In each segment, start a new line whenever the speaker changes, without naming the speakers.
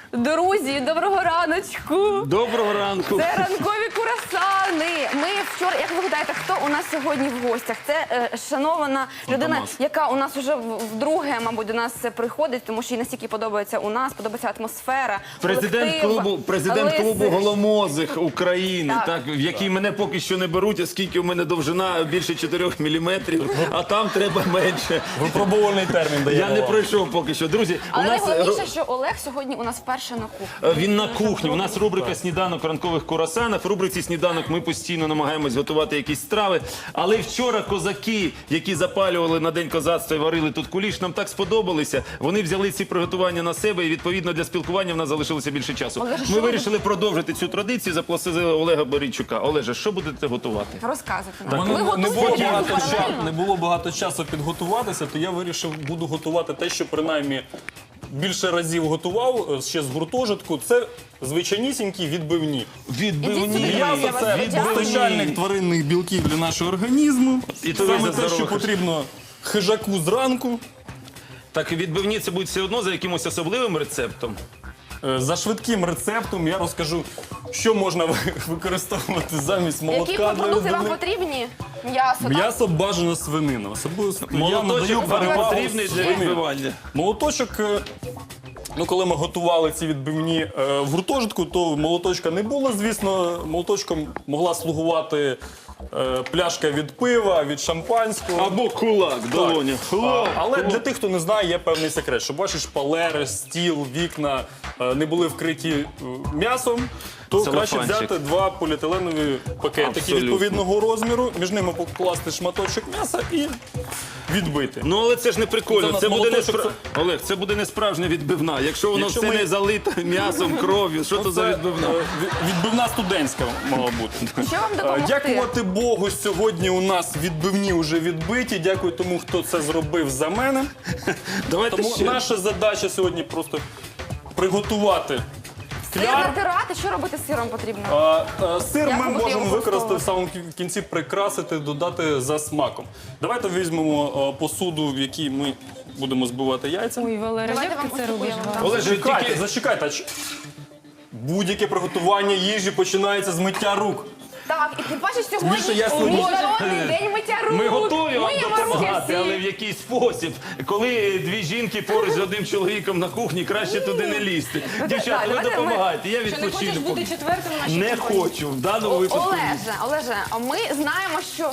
Друзі, доброго раночку!
Доброго ранку!
Це ранкові курасани. Ми вчора, як ви гадаєте, хто у нас сьогодні в гостях? Це шанована людина, яка у нас вже вдруге, мабуть, до нас приходить, тому що їй настільки подобається у нас, подобається атмосфера.
Президент клубу голомозих України,
Так.
в який мене поки що не беруть, оскільки у мене довжина більше 4 міліметрів, а там треба менше.
Випробувальний термін даємо.
Я не пройшов поки що. Друзі,
Але найголовніше, що Олег сьогодні у нас вперше на кухні.
Він на кухні. У нас рубрика «Сніданок в ранкових курасанах». В рубриці «Сніданок» ми постійно намагаємось готувати якісь страви. Але вчора козаки, які запалювали на День козацтва і варили тут куліш, нам так сподобалися. Вони взяли ці приготування на себе і, відповідно, для спілкування в нас залишилося більше часу. Ми вирішили продовжити цю традицію, запросили Олега Борійчука. Олеже, що будете готувати?
Розказуйте
У
нам.
мене
Ви готуєте?
не було багато часу підготуватися, то я вирішив, буду готувати те, що принаймні більше разів готував ще з гуртожитку. Це звичайнісінькі відбивні.
Відбивні.
М'ясо – це постачальник тваринних білків для нашого організму.
І то
Саме
за
те, що
здорових.
потрібно хижаку зранку.
Так, відбивні це будуть все одно за якимось особливим рецептом?
За швидким рецептом я розкажу, що можна використовувати замість молотка
Які
для
продукти вам
відбивних.
потрібні? М'ясо, так?
М'ясо бажано свинина. Особливо я надаю
Молоточок
перевагу
потрібний для
свинині.
відбивання.
Молоточок, коли ми готували ці відбивні в гуртожитку, то молоточка не було, звісно. Молоточком могла слугувати пляшка від пива, від шампанського.
Або кулак, долоня.
Але для тих, хто не знає, є певний секрет, що бачиш, шпалери, стіл, вікна не були вкриті м'ясом, то краще
Целофанчик.
взяти два поліетиленові пакетики
Абсолютно.
відповідного розміру, між ними покласти шматочок м'яса і відбити.
Ну, але це ж не прикольно.
Це
Це
у нас
буде не
молоточок,
Олег, це буде не справжня відбивна. Якщо воно
Якщо
все
ми-
не залите м'ясом, кров'ю, що то за
Це,
відбивна?
відбивна студентська мала бути.
Що вам допомогти?
Дякувати Богу, сьогодні у нас відбивні вже відбиті. Дякую тому, хто це зробив за мене.
Давайте
Тому
ще.
наша задача сьогодні просто приготувати
Сир
кляр.
натирати, що робити з сиром потрібно?
Сир
Як
ми
ви будете
можемо
його
використати в самому кінці, прикрасити, додати за смаком. Давайте візьмемо посуду, в якій ми будемо збивати яйця.
Ой, Валера,
Давайте
як
вам
ти це
ось таку
робиш?
я вам
гарно?
дам.
Олеже,
Зачекайте,
тільки...
зачекайте. Будь-яке приготування їжі починається з миття рук.
Так, і ти бачиш,
Більше
сьогодні
я сьогодні-
міжнародний день миття рук.
Ми готові вам
Миємо
допомагати,
руки
але в
всі.
який спосіб. Коли дві жінки поруч з одним чоловіком на кухні, краще туди не лізти. Дівчата, ви
давайте ми-
допомагайте, я
Що не хочеш
відпочину.
бути четвертим у нашій
Не
компанії?
хочу, в даному випадку.
Олеже, а ми знаємо, що...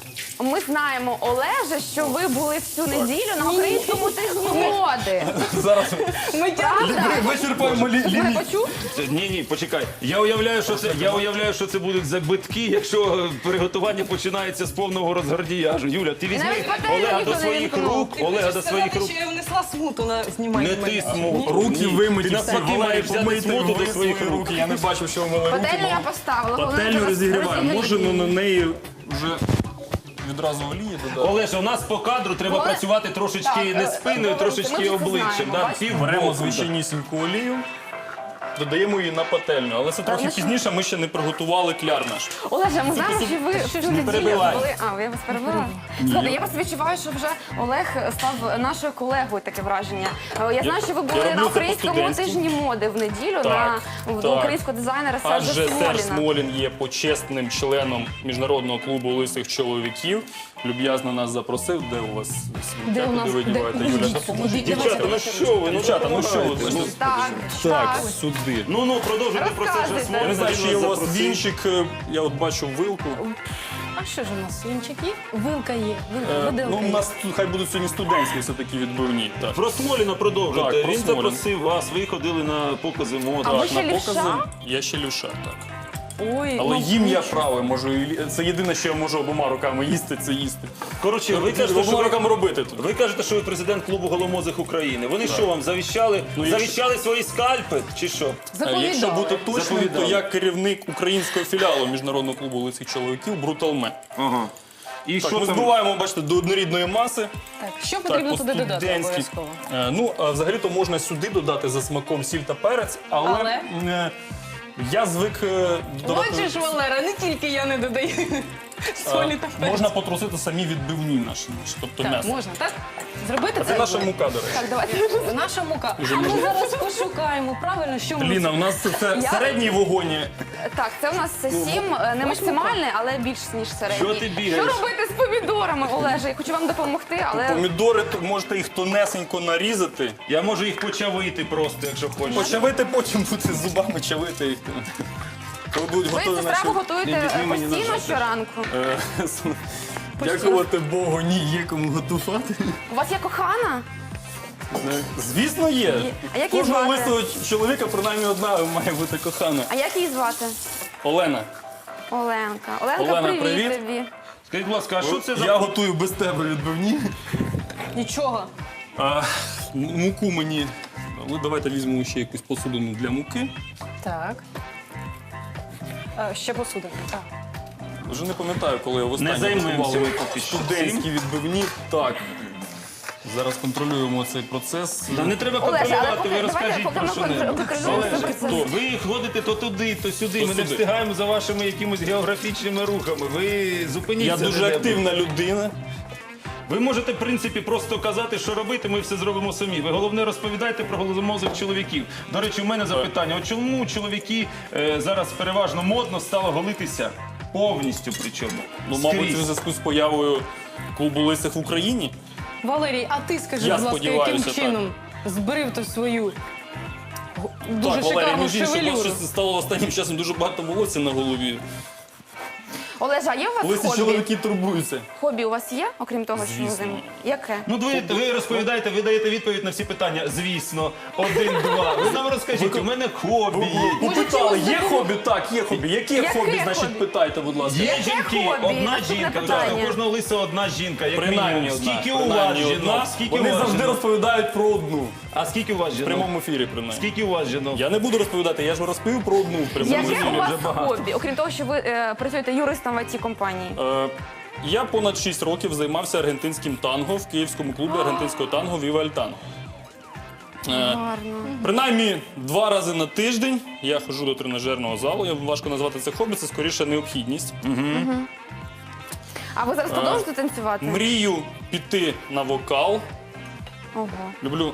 Ми знаємо, Олеже, що ви були всю неділю на українському тижні моди.
Зараз
Правда?
вичерпаємо
Ви
ліміт.
почув?
Ні, почекай. Я уявляю, що це будуть закбитки, якщо приготування починається з повного розгардіяжу. Юля, ти візьми
Навіть пательню
Олега
ніхто
до
не
своїх
вімкнув.
рук, Олега до своїх рук.
що я внесла смуту на знімальні
Не ти смут.
Руки вимиті,
Ти
всі.
навпаки маєш взяти смуту до своїх рук.
Я не бачив, що ви мили руки.
Пательню я поставила. коли
Пательню
ви
розігріваємо. Може,
розігрієте.
на неї вже відразу олії додати.
Олеже, у нас по кадру треба
Олег-
працювати трошечки
Так,
не спиною,
ми
трошечки
вже це
обличчям.
знаємо,
Да?
бачите?
Півбоку,
Беремо
да.
звичайнісіньку олію, додаємо її на пательню. Але це трохи
значить-
пізніше, ми ще не приготували кляр наш.
Олеже, ми знаємо, що ви всю неділю
перебивай.
були... А, я вас перебила? Слухайте, я просто відчуваю, що вже Олег став нашою колегою, таке враження. Я знаю, що ви були
роблю
на
це
українському
по-студентськи.
тижні моди в неділю
Так,
до
так.
українського дизайнера Сержа
Адже Серж
Смоліна.
Смолін є почесним членом Міжнародного клубу лисих чоловіків. Люб'язно нас запросив. Де у вас
Де у
сміття?
нас?
Куди ви діваєте?
Де?
Юля,
Ідіть,
допоможіть.
ідіть,
Дівчата,
давайте.
ну що ви? Дівчата, ну що ви?
Так,
Так, сюди.
Ну, продовжуйте про Сержа
Розказуйте.
Смоліна.
Я не знаю,
Він
чи є
нас
у вас
запросив.
вінчик. Я от бачу вилку.
А що ж у нас? Вінчик є? Вилка є.
Ну,
Виделка
у
є.
нас тут хай будуть сьогодні студентські все-таки відбивні. Так.
Про Смоліна продовжуйте.
Так, про
Він
Смоліна.
запросив вас, ви ходили на покази моди.
А ви
Так,
ще
на
лівша?
покази я ще лівша, так.
Ой,
Але
ну,
їм я правий, можу це єдине, що я можу обома руками їсти, це їсти.
Коротше, ви кажете, що
Обома
ви
руками робити тут.
Ви кажете, що ви президент клубу голомозих України. Вони що вам завіщали? Завіщали свої скальпи чи що?
Якщо бути точним, то
Заповідали.
я керівник українського філіалу Міжнародного клубу лисих чоловіків Бруталме.
Ага. І
Так,
що
ми
там?
збиваємо, бачите, до однорідної маси.
так, що потрібно туди додати
по-студентськи.
обов'язково?
Взагалі-то можна сюди додати за смаком сіль та перець, але я звик додавати...
Бачиш, Валера, не тільки я не додаю. Солі та перцю.
Можна потрусити самі відбивні наші, тобто
Так,
м'ясо.
можна, так? Зробити
Це наша мука, до речі.
Так, давайте.
Наша мука. А ми зараз пошукаємо, правильно, що ми...
Ліна, у нас це
Я-
середній вогонь.
Так, це у нас 7, не максимальний, але більш ніж середній.
Що ти бігаєш?
Що робити з помідорами, Олеже? Я хочу вам допомогти, але
Помідори можете їх тонесенько нарізати.
Я можу їх почавити просто, якщо хочеш.
Почавити, потім бути зубами чавити їх. Коли будуть
ви
готові
цю
наші...
страву готуєте
Візьми мені
постійно
ножа.
щоранку.
Дякувати Богу, ні, є кому готувати.
У вас є кохана?
Звісно, є.
А як її
Кожного
звати?
лисого чоловіка принаймні одна має бути кохана.
А як її звати?
Олена,
Оленка. Оленка,
Олена, привіт.
тобі.
Скажіть, будь ласка, а що це за...
я готую без тебе відбивні.
Нічого.
Муку мені... Ну, давайте візьмемо ще якусь посудину для муки.
Так. Ще посудимо. Так.
Вже не пам'ятаю, коли я востаннє
Не займемося
готував
ми поки що
студентські відбивні. Так. Зараз контролюємо цей процес.
Та не треба
Олеже, але
контролювати, ви розкажіть
поки
про
ми
що-небудь.
контролюємо цей
Олеже,
процес.
ви ходите то туди, то сюди,
То
ми не
сюди.
встигаємо за вашими якимось географічними рухами. Ви зупиніться.
Я дуже
де-небудь.
активна людина.
Ви можете, в принципі, просто казати, що робити, ми все зробимо самі. Ви головне розповідайте про голозомозих чоловіків. До речі, у мене запитання: от чому чоловіки зараз переважно модно стало голитися повністю причому?
Ну, мабуть,
Скрізь.
у зв'язку з появою клубу лисих в Україні.
Валерій, а ти скажи,
Я
будь ласка, яким
сподіваюся, так.
чином збрив ти свою дуже
Так, Валерій,
шикарну
між іншим,
шевелюру?
щось стало останнім часом дуже багато волосся на голові.
Олеже, а є у вас
Лисі
хобі?
чоловіки турбуються.
Хобі у вас є, окрім того, що ви
Звісно.
займаєтесь? Яке?
Ну, ви розповідаєте, ви даєте відповідь на всі питання. Звісно, 1, 2. Ви нам розкажіть, у мене хобі є.
Попитали, є хобі? Так, є хобі. Яке
Яке
хобі, значить,
хобі?
питайте, будь ласка.
Є
Яке
жінки,
хобі?
одна
Наступне
жінка.
питання.
У кожного лиса одна жінка, як
Принаймні
мінімум.
одна.
Скільки у вас
Принаймні
жінок?
одна.
Скільки
Вони
у вас
завжди
жінок?
розповідають про одну.
А скільки у вас
В
жінок?
прямому ефірі, принаймні.
Скільки у вас жінок?
Я не буду розповідати, я ж розповів про одну в прямому
Яке
ефірі.
у вас
вже багато.
хобі, окрім того, що ви працюєте юристом в IT-компанії?
Я понад 6 років займався аргентинським танго в київському клубі аргентинського танго Viva El Tango.
Гарно.
Принаймні 2 рази на тиждень я ходжу до тренажерного залу. Важко назвати це хобі, це скоріше необхідність.
А ви зараз продовжуєте танцювати?
Мрію піти на вокал.
Ого.
Люблю.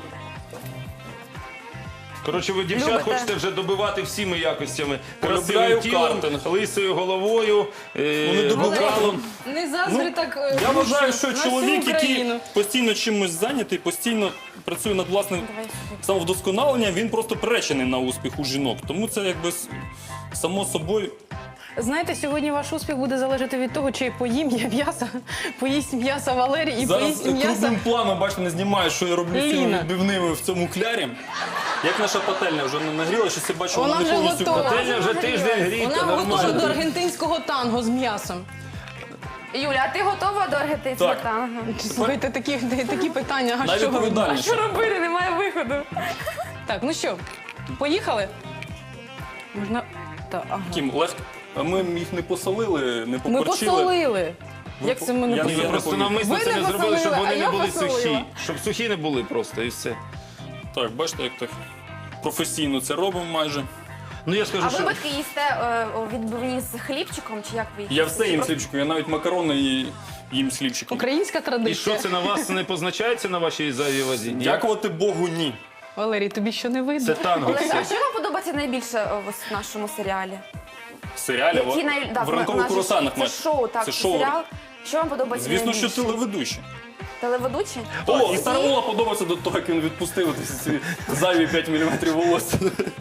Коротше, ви дівчат
Любите?
хочете вже добивати всіми якостями.
Полюбляю
Красивим тілом,
картинг.
лисою головою,
Вони добивали.
вокалом.
Не заздрі так
Я
гучно
вважаю, що
на всю
чоловік, який
Україну.
постійно чимось зайнятий, постійно працює над власним самовдосконаленням, він просто приречений на успіх у жінок. Тому це якби само собою.
Знаєте, сьогодні ваш успіх буде залежати від того, чи поїм я м'яса, поїсть м'яса Валерій і
Зараз
поїсть м'яса.
крупним планом, бачите, не знімаю, що я роблю з цими
Ліна.
відбивними в цьому клярі. Як наша пательня вже не нагріла, щось я бачу,
Вона
вона не
вже
повністю.
готова.
Пательня вже тиждень гріта,
Вона готова до
нормально.
аргентинського танго з м'ясом.
Юля, а ти готова до аргентинського
Так.
танго?
Слухайте, такі питання, а що робити?
Найвідповідальніше.
Що робити? Немає виходу.
Так, ну що, поїхали? Можна... ага.
Кім, легко. А ми їх не посолили, не
Ми
поперчили.
посолили. Як це ми не
Я не
Ви
посолили?
просто
помню.
навмисно
Ви
це
не
не зробили, щоб
посолили,
вони
а
не
я
були
посолила.
сухі. Щоб сухі не були просто, і все.
Так, бачите, як так професійно це робимо майже.
Ну я скажу,
А ви
що...
батьки їсте відбивні з хлібчиком, чи як ви їх?
Я
їсте?
все їм з хлібчиком, я навіть макарони їм з хлібчиком.
Українська
І
традиція.
що це на вас не позначається на вашій зайвій вазі? Ні?
Дякувати Богу, ні.
Валерій, тобі що не видно?
Це танго
Олег, а
все.
що вам подобається найбільше в нашому серіалі?
В серіалі
Да,
в
у
ранкових
нас же
курасанах.
Це шоу, так,
Це
це
шоу.
серіал. Що вам подобається
Звісно, що
найбільше?
телеведучі.
Телеведучі?
Так,
О,
і Старовола подобається до того, як він відпустив ці зайві 5 мм волосся.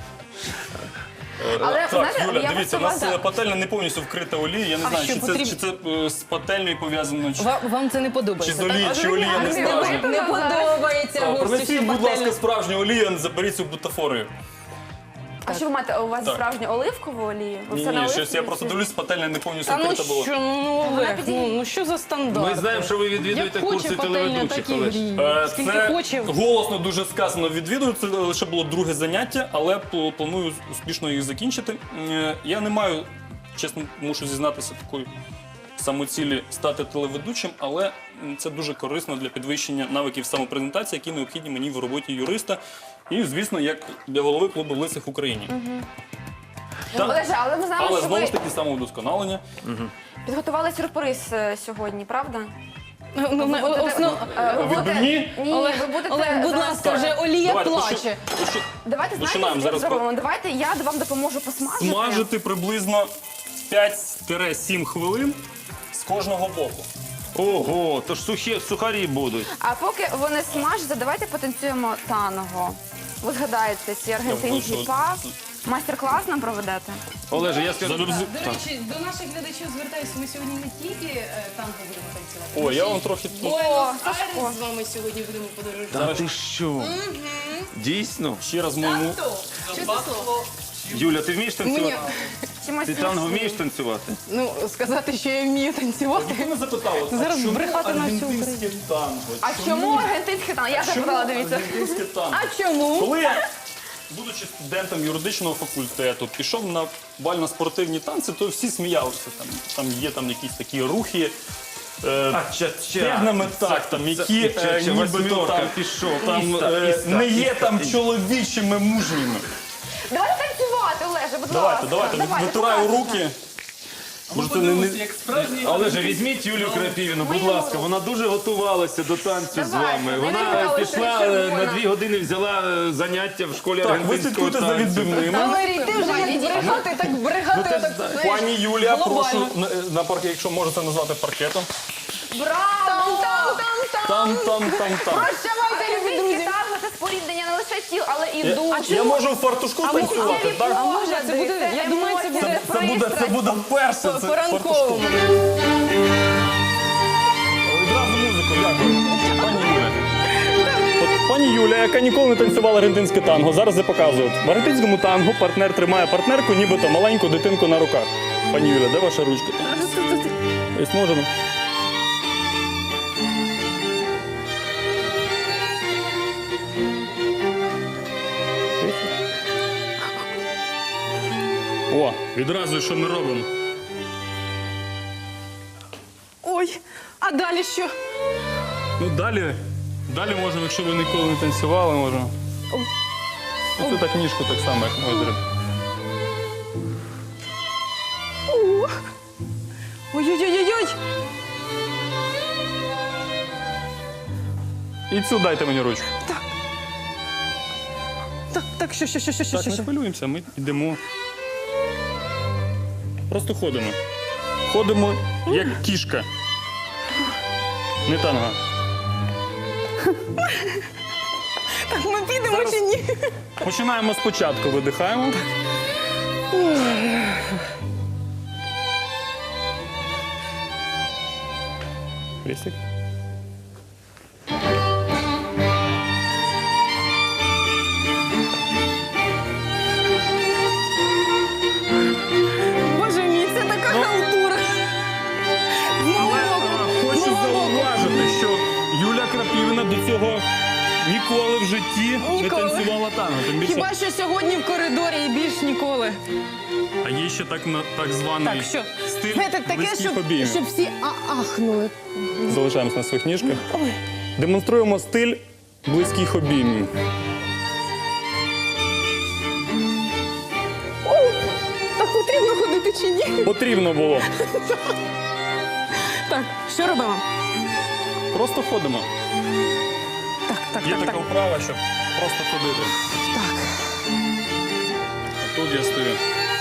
Але,
Так,
знаєте,
Юля,
я
дивіться, у
просто
нас
вас-
пательня не повністю вкрита олією. Я не
А
знаю,
що,
чи це,
потрібно-
чи це з пательнею пов'язано, чи,
Вам це не
чи
подобається,
з олії,
так?
чи олія не справжня.
Не подобається гості,
Принесіть,
що
будь ласка,
пательня.
справжню олію, заберіть цю бутафорію.
А що ви маєте? У вас
Так.
справжню оливкову олію? Ви
Ні,
все на
ні, щось
оливковій
я просто
чи-
дивлюсь, пательня не повністю
Та ну
вкрита була.
що, ну Олег,
підійде.
ну що за стандарт?
Ми знаємо, що ви відвідуєте
Як
курси
хоче пательня,
телеведучих,
так і
Олеж.
гріє. Скільки
Це
хоче.
голосно дуже сказано відвідую. Це лише було друге заняття, але планую успішно їх закінчити. Я не маю, чесно, мушу зізнатися, такої самоцілі стати телеведучим, але це дуже корисно для підвищення навиків самопрезентації, які необхідні мені в роботі юриста. І, звісно, як для голови клубу лисих в Україні.
Олеже, але ми знаємо,
Але
що
знову
ви
ж таки самовдосконалення.
підготували сюрприз сьогодні, правда?
Відбивні?
Ні, ви будете
Олег, будь
зараз-
ласка, вже олія
Давайте,
плаче.
Давайте
починаємо
знаєте, як
зараз
зробимо? Давайте я вам допоможу посмажити.
Смажити приблизно 5-7 хвилин з кожного боку.
Ого, то ж сухарі будуть.
А поки вони смажаться, давайте потанцюємо танго. Ви згадаєте ці аргентинські
що-
па. Майстер-клас нам проведете?
Олеже, я скажу.
До речі, до наших глядачів звертаюся, ми сьогодні не тільки танго будемо танцювати.
О, я вам трохи тут.
Сашко.
З вами сьогодні будемо подорожувати.
Та ти що? Дійсно?
Ще раз моєму.
Юля, ти вмієш танцювати?
Чимось
Ти танго вмієш танцювати?
Ну, сказати, що я вмію танцювати.
Ти мене запитала,
Зараз
а чому
брехати на всю
аргентинське танго?
А чому аргентинське танго? Я запитала, дивіться.
Аргентинське танго?
А чому?
Коли я, будучи студентом юридичного факультету, пішов на бально-спортивні танці, то всі сміялися. Там є якісь такі рухи. Стегнами тактом, які нібито
восьмерка
там,
пішов.
там не є там чоловічими мужніми.
Давайте танцювати, Олеже, будь ласка.
Давайте, витираю руки. Може, це не...
Олеже, візьміть Юлію Крапівіну, будь ласка. Вона дуже готувалася до танцю з
Давайте.
вами.
Я
Вона
казала, що
пішла
червона.
на 2 години, взяла заняття в школі
Так, ви
аргентинського
слідкуйте за
танцю.
відбивними.
Валерій, ти вже як брехати, так брехати, отак, знаєш,
Пані Юлія,
глобально.
прошу, на паркет, якщо можете назвати паркетом.
Браво!
Там.
Прощавайте, любі
Аргентинське
друзі.
танго – це споріднення не лише тіл, але і душ.
Я можу в фартушку танцювати, так?
А може, це буде, я думаю, це буде
Це буде вперше. Це
по-ранковому.
Одразу музику, дякую. Пані Юля. От пані Юля, яка ніколи не танцювала аргентинське танго, зараз я показую. В аргентинському танго партнер тримає партнерку, нібито маленьку дитинку на руках. Пані Юля, де ваша ручка? Ось можемо. О, відразу що ми робимо?
Ой, а далі що?
Ну, далі можемо, якщо ви ніколи не танцювали, можемо. Оце так ніжку так само, як ми зробимо.
Ой-ой-ой-ой.
І цю дайте мені ручку.
Так, що?
Так, не хвилюємося, ми йдемо. Просто ходимо. Ходимо, як кішка. Не танго.
Так, ми підемо чи ні?
Починаємо спочатку, видихаємо. Крестик.
Боже мій, це така халтура.
Хочу зауважити, що Юля Крапівіна до цього ніколи в житті не
Ніколи.
танцювала танго. Тим більше,
Хіба що сьогодні в коридорі і більш ніколи.
а є ще так званий
Так, що?
стиль
Знаєте, таке,
близьких обіймів.
щоб всі ахнули.
Залишаємось на своїх ніжках. Демонструємо стиль близьких обіймів.
Так потрібно ходити чи ні?
Потрібно було.
Так, що робимо?
Просто ходимо.
Так.
Є така вправа, щоб просто ходити.
Так.
Тут я стою.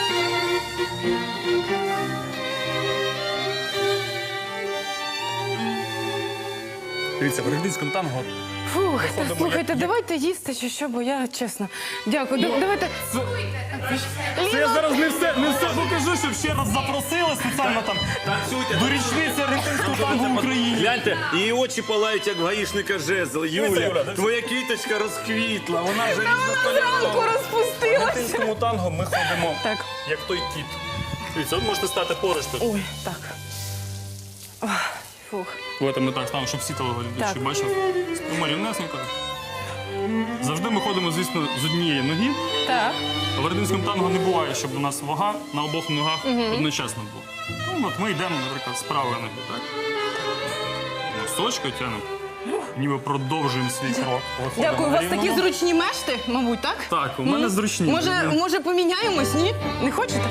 Дивіться, в аргентинському танго.
Фух, так,
Виходимо,
слухайте,
як-
давайте їсти чи що, бо я чесно. Дякую. Давайте.
Це я зараз не все покажу, щоб ще раз запросили спеціально там до річниці аргентинського танго в Україні.
Гляньте, її очі палають, як в гаїшника жезл.
Юля,
Юля,
дивись.
твоя квіточка розквітла, вона вже
Зранку
різнокольорова.
В
розпустилася.
аргентинському танго ми ходимо
Так.
як той кіт. Дивіться, от можете стати поруч тут.
Ой, так. Ох, фух.
Давайте ми так ставимо, щоб всі телеглядачі
Так.
бачили. Спимо рівнесенько. Завжди ми ходимо, звісно, з однієї ноги.
Так.
В аргентинському танго не буває, щоб у нас вага на обох ногах одночасно була. Ну, от ми йдемо, наприклад, з правої ноги, так? Носочкою тягнемо. ніби продовжуємо свій крок. Виходимо
Дякую, у
на
вас такі
рівному.
зручні мешти, мабуть, так?
Так, у мене зручні.
Може поміняємось, ні? Не хочете?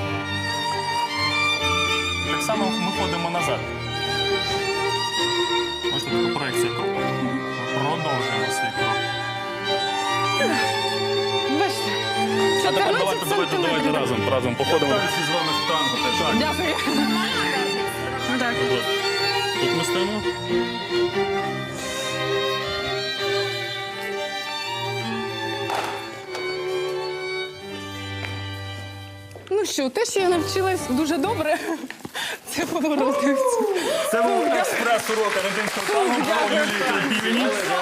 Так само ми ходимо назад. Бачите, така проекція кроку. Продовжуємо свій крок.
Бачите?
А тепер
14
давайте
сантиметрів.
разом походимо.
Танці з вами в танго теж.
Дякую. Так.
Тут ми стоїмо.
Ну що, те, що я навчилась дуже добре, це повороти.
Це був експрес-урок аргентинського танго. Юлії Крапівні.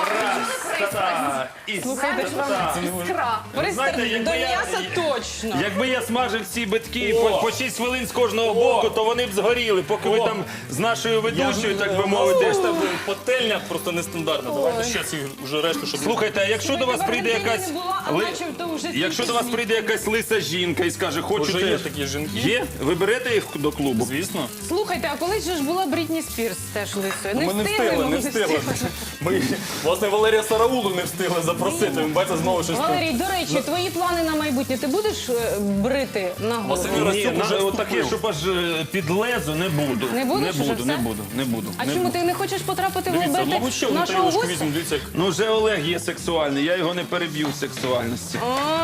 Слухайте,
Іскра.
Знаєте,
до
якби я-
м'яса точно.
Якби я смажив ці битки
О!
по 6 хвилин з кожного боку, то вони б згоріли, поки ви
О!
там з нашою ведучою, так би
мовити.
мовити.
Теж там пательня просто нестандартна. Давайте ще ці вже решту, щоб...
Слухайте, а якщо до вас прийде якась якщо до вас прийде якась лиса жінка і скаже, хочу
Вже є
теж.
такі жінки.
Є? Ви берете їх до клубу?
Звісно.
Слухайте, а колись же ж була Брітні Спірс теж лисою.
Ми не встигли. Ми, власне, Валерія Сараулу не встигли запросити. Ви бачите, знову щось...
Валерій, до речі, твої плани на майбутнє. Ти будеш брити на голову?
Василь
Ні,
Расюк уже
отаке,
вступив.
щоб аж під лезо не буду.
Не будеш уже все?
Не буду.
А чому ти не хочеш потрапити в
Дивіться,
оберти
мабуть, ще одну
нашого
тарілочку
гостя?
візьмемо. Дивіться, як...
Ну вже Олег є сексуальний, я його не переб'ю в сексуальності.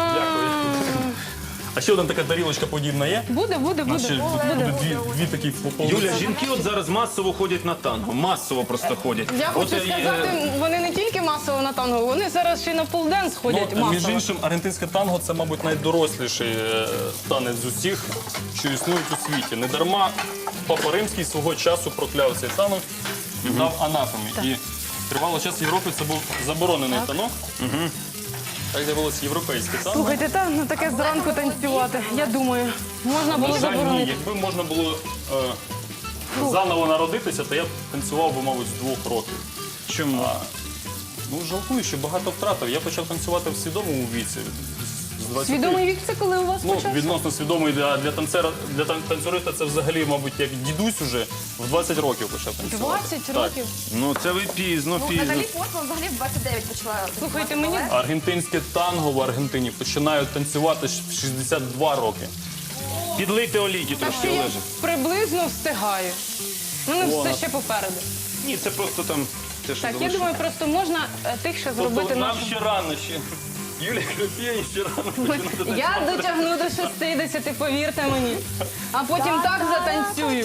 А ще одна така тарілочка подібна є?
Буде.
Ще буде дві такі поповнені.
Юля, жінки от зараз масово ходять на танго. Масово просто ходять.
Я хочу сказати, вони не тільки масово на танго, вони зараз ще й на полденс ходять
Ну, між
масово.
іншим, аргентинське танго – це, мабуть, найдоросліший танець з усіх, що існують у світі. Не дарма Папа Римський свого часу прокляв цей танок і дав анафемі. І тривало час в Європі це був заборонений танок. Так з'явилося європейське танго.
Слухайте, ну таке зранку танцювати. Я думаю, можна було
На жаль, ні.
заборонити.
Якби можна було заново народитися, то я б танцював би, мабуть, з 2 років.
Чому?
Ну, жалкую, що багато втратив. Я почав танцювати в свідомому віці. З 20.
Свідомий вік це коли у вас
Ну,
почався?
відносно свідомий для танцюриста це взагалі, мабуть, як дідусь уже в 20 років почав танцювати.
20
Так.
років?
Ну це ви пізно.
Наталі Портман взагалі в 29 почала.
Слухайте, мені
Аргентинське танго в Аргентині починають танцювати в 62 роки.
Підлийте олійки
так
трошки,
що я
Олеже.
приблизно встигаю. У мене все ще попереду.
Ні, це просто там те, що
Так, я
залишилось.
думаю, просто можна тихше зробити
Тобто нам
нашу...
ще рано ще. Юлія Крапєнь ще рано починати танцювати.
Я дотягну до 60, повірте мені. А потім так затанцюю.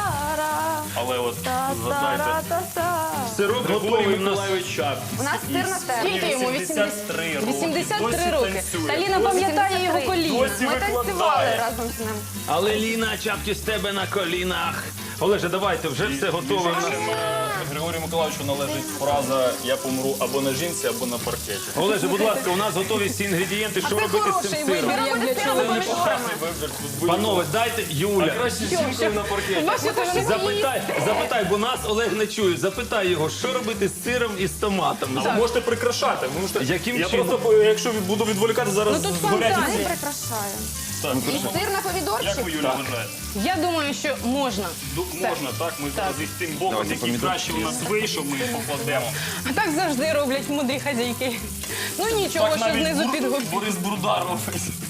Але от згадайте.
Сирок
Григорій
готовий в нас.
Миколайович Чапкіс.
У нас сир на термі.
Скільки йому?
83 роки.
83
Досі
роки.
танцює.
Таліна пам'ятає його коліна.
Досі
Ми танцювали
викладає.
разом з ним.
Але Ліна, чапки з тебе на колінах. Олеже, давайте, вже все готове. в нас.
Григорію Миколаївичу належить фраза «Я помру або на жінці, або на паркеті».
Олеже, будь ласка, у нас готові всі інгредієнти. Що
Це
робити з
хороший
цим
вибір,
сиром?
як для чоловіка.
Класний вибір. Тут
Панове, дайте Юля.
краще з жінкою на паркеті.
Бачите, вони
Запитай, бо нас Олег не чує. Запитай його, що робити з сиром і з томатами.
Ви можете прикрашати. Ви можете...
Яким
Я
чином?
просто, якщо буду відволікати, зараз
Ну, тут
згорять
фантазія.
ці.
Ми прикрашаємо.
Так,
І сир на помідорчик.
як ви, Юля, вважаєте?
Я думаю, що можна.
Можна, так? Ми зараз їх тим боком, який краще у нас вийшов, ми їх покладемо.
А так завжди роблять мудрі хазяйки. Ну нічого,
Так
що
навіть
знизу підгоріло.
Борис Брудар робить.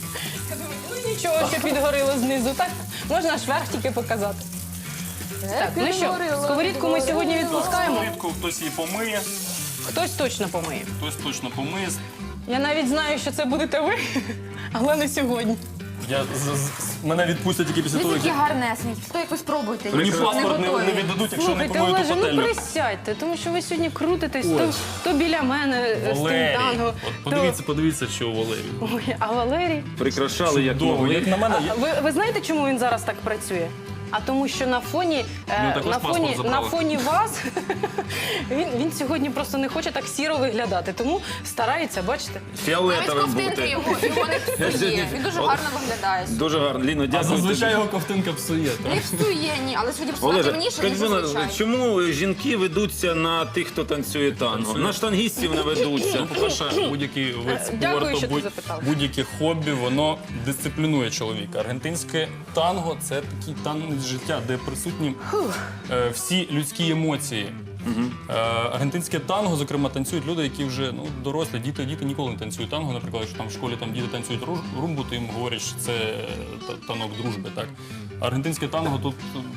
Ну нічого, що підгоріло знизу. Так можна аж верх тільки показати. Так, ну що, сковорідку ми сьогодні відпускаємо.
Сковорідку хтось її помиє,
Хтось точно помиє.
хтось точно помиє.
Я навіть знаю, що це будете ви, але не сьогодні.
Мене відпустять тільки після
Ви
того,
такі
як
гарнесенькі. Що якось спробуйте.
мені паспорт не
готові.
віддадуть, якщо не
Слухайте,
помию ту
Олеже, ну
пательню.
присядьте, тому що ви сьогодні крутитесь то біля мене з тим
Валерій,
танго.
от подивіться, що у Валерії.
Ой, а Валерій?
Прикрашали як
Довго,
могли.
як на мене,
Ви знаєте, чому він зараз так працює? А тому, що на фоні,
також паспорт забрали.
на фоні вас він сьогодні просто не хоче так сіро виглядати, тому старається, бачите?
Навіть
Фіолетовим
ковтинки
бути.
його не псує. Він дуже гарно виглядає.
Дуже гарно. Ліно,
а
дякую
зазвичай
тобі.
його ковтинка псує. так?
Не псує, ні, але сьогодні просто
Олеже,
темніше,
скажіть,
ніж
будь ласка,
зазвичай.
чому жінки ведуться на тих, хто танцює танго? На штангістів не ведуться.
Ну, по-перше, будь-який вид
Дякую, що
спорту,
ти запитав.
будь-яке хобі, воно дисциплінує чоловіка. Аргентинське танго – це такий танець життя, де присутні всі людські емоції. Аргентинське танго, зокрема, танцюють люди, які вже дорослі, діти ніколи не танцюють танго. Наприклад, якщо там в школі діти танцюють румбу, то їм говорять, що це танок дружби. Так? Аргентинське танго тут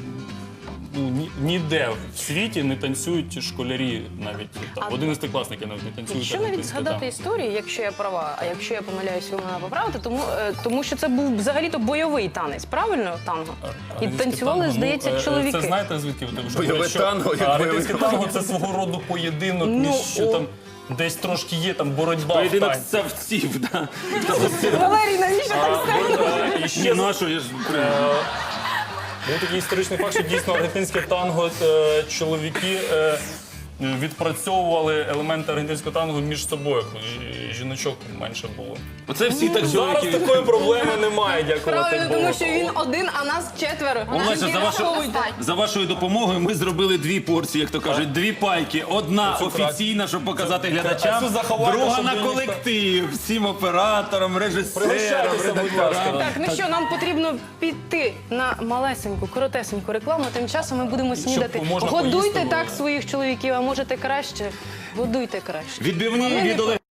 ніде в світі не танцюють школярі, навіть там, 11-класники навіть не танцюють.
Якщо навіть
аргентинське
згадати
танго.
історію, якщо я права, а якщо я помиляюсь, ви мене поправите, тому що це був взагалі-то бойовий танець, правильно, танго? І
Аргентинське
танцювали,
танго,
здається, чоловіки.
Це знаєте, звідки ви
Бойове танго, як
аргентинське
бойовий
танго це свого роду поєдинок, між що там десь трошки є там боротьба в
Поєдинок
танці.
савців, да.
Валерій, навіщо так сказати?
І
Ні,
ще
ну а що, я ж...
був такий історичний факт, що дійсно аргентинське танго чоловіки відпрацьовували елементи аргентинського танго між собою, коли жіночок менше було.
Оце всі так
Зараз
чоловіки.
такої проблеми немає, дякувати
Правильно,
Богу.
тому що він один, а нас четверо.
Олеся, за вашою допомогою ми зробили 2 порції, як то кажуть, 2 пайки. Одна
Це
офіційна, щоб показати
А
глядачам,
цю заховайте,
друга
щоб
на
ніхто-
колектив, всім операторам, режисерам,
Пригощайтеся, будь ласка.
редакторам.
Так, ну що, нам потрібно піти на малесеньку, коротесеньку рекламу. Тим часом ми будемо снідати.
можна
Годуйте
поїсти
так
було.
своїх чоловіків, а можете краще. Годуйте краще.
Відбивні від Олега